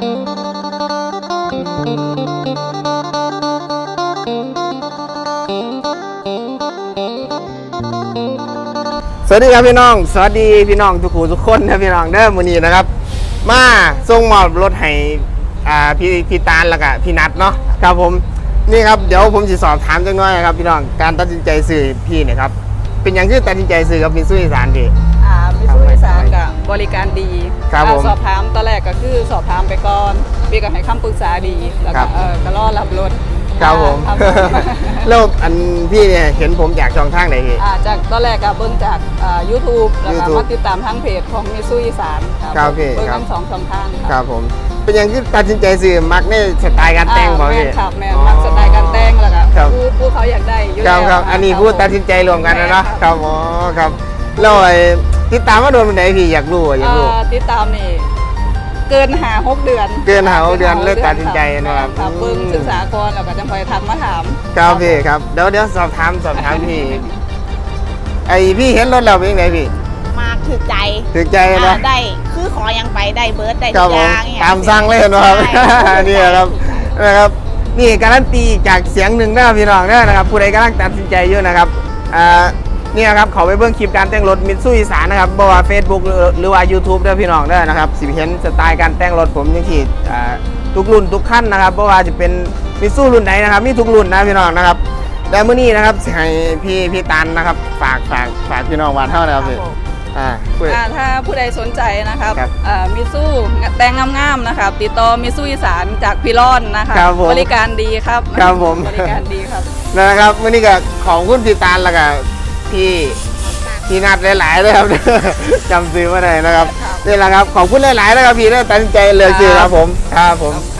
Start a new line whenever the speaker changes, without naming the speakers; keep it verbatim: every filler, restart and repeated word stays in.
สวัสดีครับพี่น้องสวัสดีพี่น้องทุกคนทุกคนนะพี่น้องเด้อมื้อนี้นะครับมาส่งมอบรถให้อ่าพี่พี่ตาลแล้วก็พี่นัทเนาะครับผมนี่ครับเดี๋ยวผมจะสอบถามจังหน่อยครับพี่น้องการตัดสินใจซื้อพี่เนี่ยครับเป็นอย่างที่ตัดสินใจซื้อกับมิตซูอีสานพี่
อ่ามิตซูอีสานกับบริการดี
ครับผม
สอบถามตอนแรกก็คือสอบถามไปก่อนพี่ก็ให้คำปรึกษาดีแล้วก็เออก็รอรับรถ
ครับผมแล้วอันพี่เนี่ยเห็นผมจากช่องทางไหนพี่
อ่าจากตอนแรกก็เบิ่งจากอ่า YouTube แล้วก็มาติดตามทางเพจของมิตซูอีสาน
ครับพี่
เบิ่งทั้งสองช่องทาง
ครับผมเป็นอย่างที่ตัดสินใจซื้อมักในสไตล์การแต่งบ่พี่
ครับแม่มักสไตล์การแต่งแล้วก็ผู้ผู้เขาอยากได้อยู่
แล้วครับอันนี้ผู้ตัดสินใจรวมกันนะเนาะครับอ๋อครับแล้วติดตามว่าโดนวันไหนพี่อยากรู้อยากรู้
ติดตามนี่เกินหาหกเดือน
เกินหาหกเดือนเลยตัดสินใจนะครับ
ครับเบิ่งศึกษาก่อนแล้วก็จะคอยทักมาถาม
ครับพี่ครับเดี๋ยวเดี๋ยวสอบถามสอบถามพี่ไอพี่เห็นรถเราเป็นยังไงพี่
มาถือใจ
ถือใจนะ
ได้คือขอยังไปได้เบิร์ดได้ทุกอย่าง
ตามสั่งเลยนะครับนี่ครับนะครับนี่การันตีจากเสียงหนึ่งนะพี่น้องนะครับผู้ใดกำลังตัดสินใจอยู่นะครับอ่านี่ครับเขาไปเบื้องคลิปการแต่งรถมิตซูอีสานนะครับบอกว่า Facebook หรือว่า YouTube ด้วยพี่น้องด้วยนะครับสิเห็นสไตล์การแต่งรถผมยังที่ทุกรุ่นทุกขั้นนะครับเพราะว่าจะเป็นมิตซูรุ่นไหนนะครับมีทุกรุ่นนะพี่น้องนะครับแต่เมื่อนี้นะครับให้พี่พี่ตันนะครับฝากฝากฝากพี่น้องว่าเท่านะครับพี่
อ่าถ้าผู้ใดสนใจนะครับมิตซูแต่งงามๆนะครับติดต่อมิตซูอีสานจากพี่ร่อนนะคะบริการดีครับ
ครับผม
บริการดีครับ
นะครับเมื่อนี้ก็ของคุณพี่ตันแล้วก็พี่พี่นัดหลายๆเลยครับจำซื้อมาได้นะครับนี่แหละครับขอบคุณหลายๆนะครับพี่ได้ตัดสินใจเลยคือครับผมครับผม